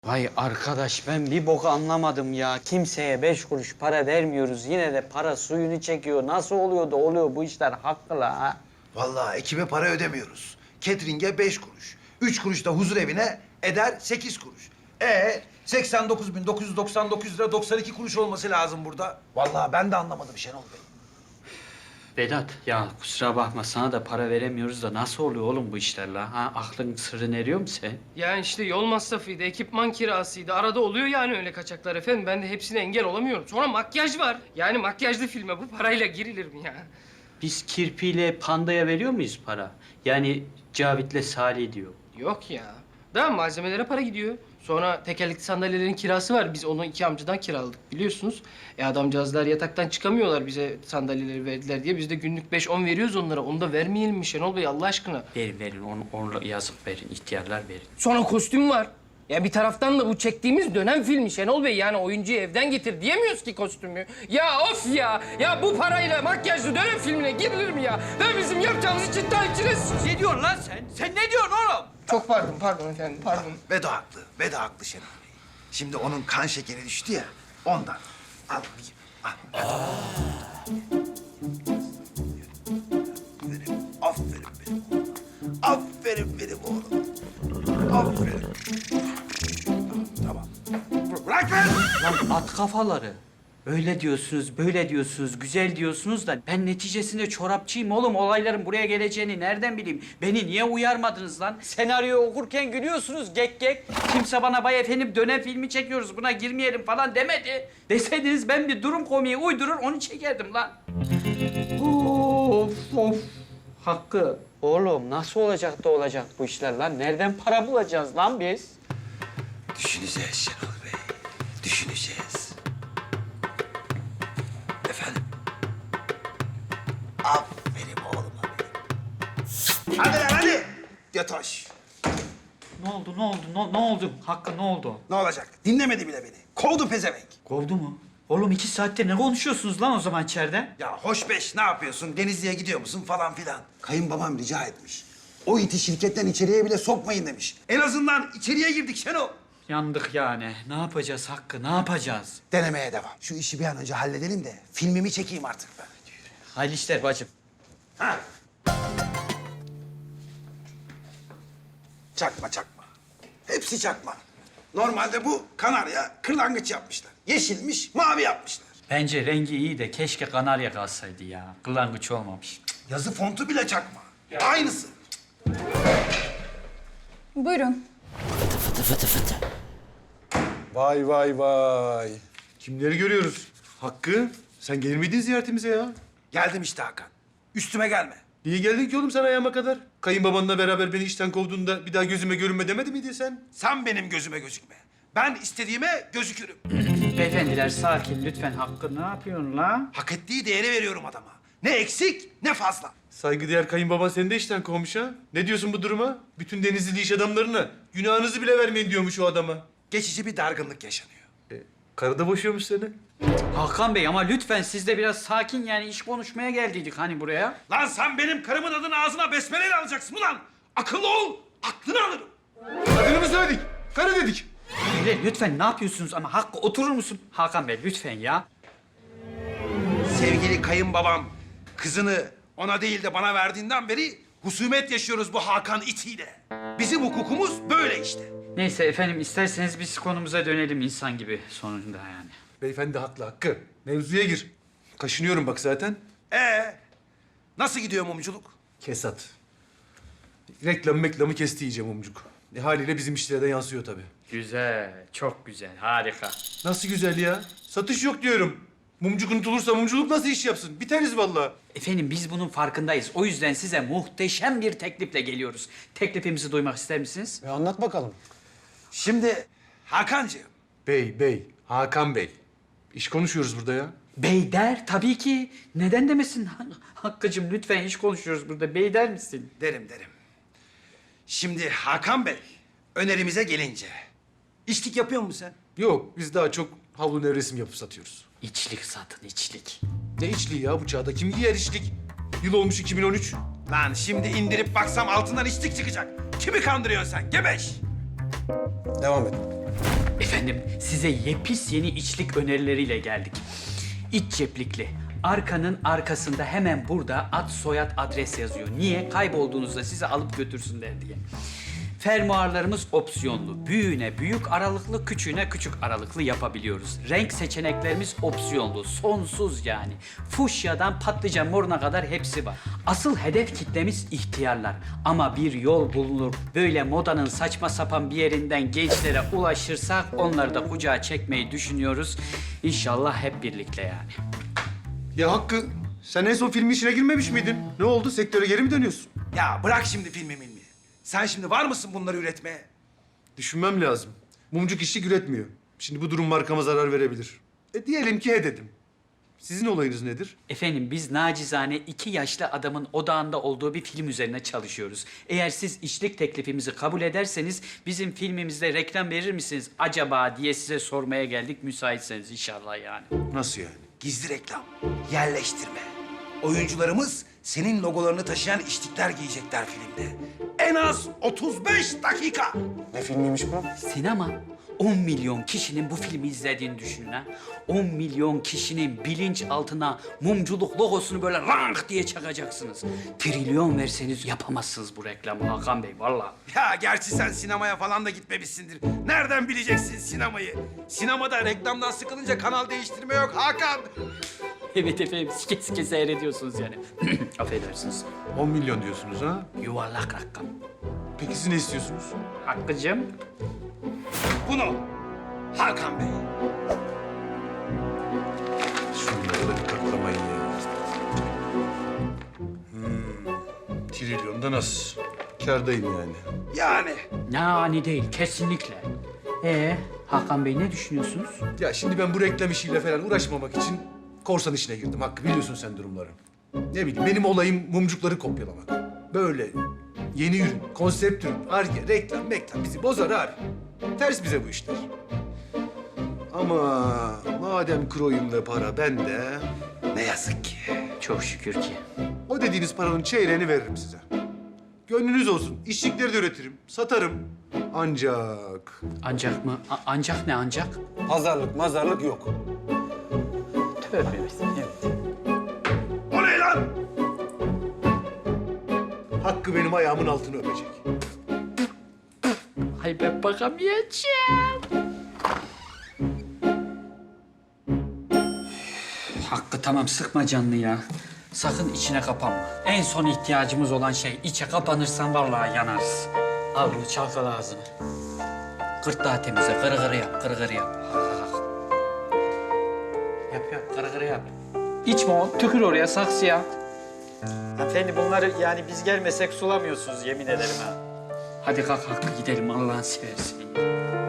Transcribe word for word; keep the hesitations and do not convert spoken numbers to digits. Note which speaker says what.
Speaker 1: Vay arkadaş ben bir boku anlamadım ya. Kimseye beş kuruş para vermiyoruz. Yine de para suyunu çekiyor. Nasıl oluyor da oluyor bu işler hakkı la ha?
Speaker 2: Vallahi ekibe para ödemiyoruz. Catering'e beş kuruş. Üç kuruş da huzur evine eder sekiz kuruş. Ee seksen dokuz bin dokuz yüz doksan dokuz lira doksan iki kuruş olması lazım burada. Vallahi ben de anlamadım Şenol Bey.
Speaker 1: Vedat ya kusura bakma sana da para veremiyoruz da nasıl oluyor oğlum bu işler la? Ha aklın sırrını eriyor mu sen?
Speaker 3: Yani işte yol masrafıydı, ekipman kirasıydı. Arada oluyor yani öyle kaçaklar efendim. Ben de hepsine engel olamıyorum. Sonra makyaj var. Yani makyajlı filme bu parayla girilir mi ya?
Speaker 1: Biz kirpiyle pandaya veriyor muyuz para? Yani Cavit'le Salih diyor.
Speaker 3: Yok ya. Daha malzemelere para gidiyor. Sonra tekerlekli sandalyelerin kirası var. Biz onu iki amcadan kiraladık biliyorsunuz. E adamcağızlar yataktan çıkamıyorlar bize sandalyeleri verdiler diye. Biz de günlük beş on veriyoruz onlara. Onu da vermeyelim mi Şenol Bey Allah aşkına?
Speaker 1: Verin verin onu, onu yazık verin ihtiyarlar verin.
Speaker 3: Sonra kostüm var. Ya bir taraftan da bu çektiğimiz dönem filmi Şenol Bey. Yani oyuncuyu evden getir diyemiyoruz ki kostümü. Ya of ya! Ya bu parayla makyajlı dönem filmine girilir mi ya? Ben bizim yapacağımız için daha içine...
Speaker 4: Ne diyorsun lan sen? Sen ne diyorsun oğlum?
Speaker 3: Çok pardon, pardon efendim, pardon.
Speaker 2: Vedo haklı. Vedo haklı Şenol Bey. Şimdi onun kan şekeri düştü ya ondan. Al bakayım. Al. Aferin, aferin benim oğlum. Aferin benim oğlum. Aferin. Tamam. Bırak lan!
Speaker 1: Lan at kafaları. Öyle diyorsunuz, böyle diyorsunuz, güzel diyorsunuz da ben neticesinde çorapçıyım oğlum. Olayların buraya geleceğini nereden bileyim? Beni niye uyarmadınız lan? Senaryoyu okurken gülüyorsunuz gek gek. Kimse bana bay efendim dönem filmi çekiyoruz buna girmeyelim falan demedi. Deseydiniz ben bir durum komiği uydurur onu çekerdim lan. Of of. Hakkı. Oğlum nasıl olacak da olacak bu işler lan? Nereden para bulacağız lan biz?
Speaker 2: Düşüneceğiz Şenol Bey. Düşüneceğiz. Efendim? Aferin oğluma benim. Hadi lan hadi. Yatoş.
Speaker 1: Ne oldu, ne oldu, ne, ne oldu? Hakkı ne oldu?
Speaker 2: Ne olacak? Dinlemedi bile beni. Kovdu pezevenk.
Speaker 1: Kovdu mu? Oğlum iki saattir ne konuşuyorsunuz lan o zaman içeride?
Speaker 2: Ya hoş beş ne yapıyorsun? Denizli'ye gidiyor musun falan filan. Kayınbabam rica etmiş. O iti şirketten içeriye bile sokmayın demiş. En azından içeriye girdik Şenol.
Speaker 1: Yandık yani. Ne yapacağız Hakkı, ne yapacağız?
Speaker 2: Denemeye devam. Şu işi bir an önce halledelim de filmimi çekeyim artık ben.
Speaker 1: Hayırlı işler bacım.
Speaker 2: Ha. Çakma çakma. Hepsi çakma. Normalde bu kanarya kırlangıç yapmışlar. Yeşilmiş, mavi yapmışlar.
Speaker 1: Bence rengi iyi de keşke kanarya kalsaydı ya. Kırlangıç olmamış.
Speaker 2: Yazı fontu bile çakma. Aynısı.
Speaker 5: Buyurun.
Speaker 6: Vay vay vay. Kimleri görüyoruz? Hakkı, sen gelir miydin ziyaretimize ya?
Speaker 2: Geldim işte Hakan. Üstüme gelme.
Speaker 6: Niye geldin ki oğlum sen ayağıma kadar? Kayınbabanla beraber beni işten kovduğunda bir daha gözüme görünme demedi miydi sen?
Speaker 2: Sen benim gözüme gözükme. Ben istediğime gözükürüm.
Speaker 1: Beyefendiler sakin lütfen. Hakkı ne yapıyorsun la?
Speaker 2: Hak ettiği değeri veriyorum adama. Ne eksik ne fazla.
Speaker 6: Saygıdeğer kayınbaban seni de işten kovmuş ha. Ne diyorsun bu duruma? Bütün Denizli iş adamlarına günahınızı bile vermeyin diyormuş o adama.
Speaker 2: Geçici bir dargınlık yaşanıyor.
Speaker 6: E, karı da boşuyormuş seni.
Speaker 1: Hakan Bey ama lütfen siz de biraz sakin yani iş konuşmaya geldiydik hani buraya.
Speaker 2: Lan sen benim karımın adını ağzına besmeleyle alacaksın ulan. Akıllı ol, aklını alırım.
Speaker 6: Adını mı söyledik? Karı dedik.
Speaker 1: Beyler lütfen ne yapıyorsunuz ama Hakkı oturur musun? Hakan Bey lütfen ya.
Speaker 2: Sevgili kayınbabam kızını ona değil de bana verdiğinden beri husumet yaşıyoruz bu Hakan itiyle. Bizim hukukumuz böyle işte.
Speaker 1: Neyse efendim isterseniz biz konumuza dönelim insan gibi sonunda yani.
Speaker 6: Beyefendi haklı Hakkı. Mevzuya gir. Kaşınıyorum bak zaten.
Speaker 2: Ee, nasıl gidiyor mumculuk?
Speaker 6: Kesat. Reklam meklamı kesti iyice mumcuk. E, haliyle bizim işlere de yansıyor tabii.
Speaker 1: Güzel, çok güzel, harika.
Speaker 6: Nasıl güzel ya? Satış yok diyorum. Mumcuk unutulursa mumculuk nasıl iş yapsın? Biteriz vallahi.
Speaker 1: Efendim biz bunun farkındayız. O yüzden size muhteşem bir teklifle geliyoruz. Teklifimizi duymak ister misiniz?
Speaker 6: E anlat bakalım.
Speaker 2: Şimdi Hakancığım,
Speaker 6: Bey, bey, Hakan Bey. İş konuşuyoruz burada ya.
Speaker 1: Bey der tabii ki. Neden demesin? Hakkı'cığım lütfen iş konuşuyoruz burada. Bey der misin?
Speaker 2: derim derim. Şimdi Hakan Bey, önerimize gelince. İçlik yapıyor musun sen?
Speaker 6: Yok, biz daha çok havlu nevresim yapıp satıyoruz.
Speaker 1: İçlik satın, içlik.
Speaker 6: Ne içliği ya bu çağda? Kim giyer içlik? Yıl olmuş iki bin on üç.
Speaker 2: Lan şimdi indirip baksam altından içlik çıkacak. Kimi kandırıyorsun sen? Gebeş!
Speaker 6: Devam et.
Speaker 1: efendim, size yepis yeni içlik önerileriyle geldik. İç ceplikli. Arkanın arkasında hemen burada ad, soyad, adres yazıyor. Niye? Kaybolduğunuzda sizi alıp götürsünler diye. Fermuarlarımız opsiyonlu. Büyüğüne büyük aralıklı, küçüğüne küçük aralıklı yapabiliyoruz. Renk seçeneklerimiz opsiyonlu. Sonsuz yani. Fuşyadan patlıcan moruna kadar hepsi var. Asıl hedef kitlemiz ihtiyarlar. Ama bir yol bulunur. Böyle modanın saçma sapan bir yerinden gençlere ulaşırsak onları da kucağa çekmeyi düşünüyoruz. İnşallah hep birlikte yani.
Speaker 6: Ya Hakkı, sen en son film işine girmemiş miydin? Ne oldu? Sektöre geri mi dönüyorsun?
Speaker 2: Ya bırak şimdi filmi milmi. Sen şimdi var mısın bunları üretmeye?
Speaker 6: Düşünmem lazım. Mumcuk işçi üretmiyor. Şimdi bu durum markama zarar verebilir. E diyelim ki he dedim. Sizin olayınız nedir?
Speaker 1: Efendim biz nacizane iki yaşlı adamın odağında olduğu bir film üzerine çalışıyoruz. Eğer siz işlik teklifimizi kabul ederseniz bizim filmimizde reklam verir misiniz acaba diye size sormaya geldik müsaitseniz inşallah yani.
Speaker 6: Nasıl yani?
Speaker 2: Gizli reklam, yerleştirme. Oyuncularımız senin logolarını taşıyan içlikler giyecekler filmde. En az otuz beş dakika.
Speaker 6: Ne filmiymiş bu?
Speaker 1: Sinema. on milyon kişinin bu filmi izlediğini düşünün ha. on milyon kişinin bilinç altına mumculuk logosunu böyle rank diye çakacaksınız. Trilyon verseniz yapamazsınız bu reklamı Hakan Bey vallahi.
Speaker 2: Ya gerçi sen sinemaya falan da gitmemişsindir. Nereden bileceksin sinemayı? Sinemada reklamdan sıkılınca kanal değiştirme yok Hakan.
Speaker 1: Evet efendim sike sike seyrediyorsunuz yani. Affedersiniz.
Speaker 6: on milyon diyorsunuz ha?
Speaker 1: Yuvarlak rakam.
Speaker 6: Peki siz ne istiyorsunuz?
Speaker 1: Hakkı'cığım.
Speaker 2: Bunu Hakan Bey.
Speaker 6: Şunları da bir katlamayın ya. Hmm. Trilyonda nasıl? Kârdayım yani.
Speaker 2: Yani
Speaker 1: Yani değil kesinlikle. Ee Hakan Bey ne düşünüyorsunuz?
Speaker 6: Ya şimdi ben bu reklam işiyle falan uğraşmamak için korsan işine girdim Hakkı. Biliyorsun sen durumları. Ne bileyim benim olayım mumcukları kopyalamak. Böyle yeni ürün, konsept ürün, arge, reklam, meklam bizi bozar abi. Ters bize bu işler. Ama madem kroyum ve para bende,
Speaker 2: ne yazık ki.
Speaker 1: Çok şükür ki.
Speaker 6: o dediğiniz paranın çeyreğini veririm size. Gönlünüz olsun. İşçilikleri de üretirim, satarım. Ancak
Speaker 1: Ancak mı? A- ancak ne ancak?
Speaker 6: pazarlık mazarlık yok.
Speaker 1: Tövbe evet.
Speaker 2: O ne lan?
Speaker 6: Hakkı benim ayağımın altını öpecek.
Speaker 1: Ay ben bakamayacağım. Hakkı tamam sıkma canını ya. Sakın içine kapanma. En son ihtiyacımız olan şey içe kapanırsan vallahi yanarız. Al bunu çalkala ağzını. Gırtlağı temizle, kırı kırı yap, kırı kırı yap. Yap yap, kırı kırı yap. İçme o, tükür oraya saksıya. Hanımefendi bunları yani biz gelmesek sulamıyorsunuz yemin ederim ha. Hadi kalk Hakkı gidelim Allah'ın seversen.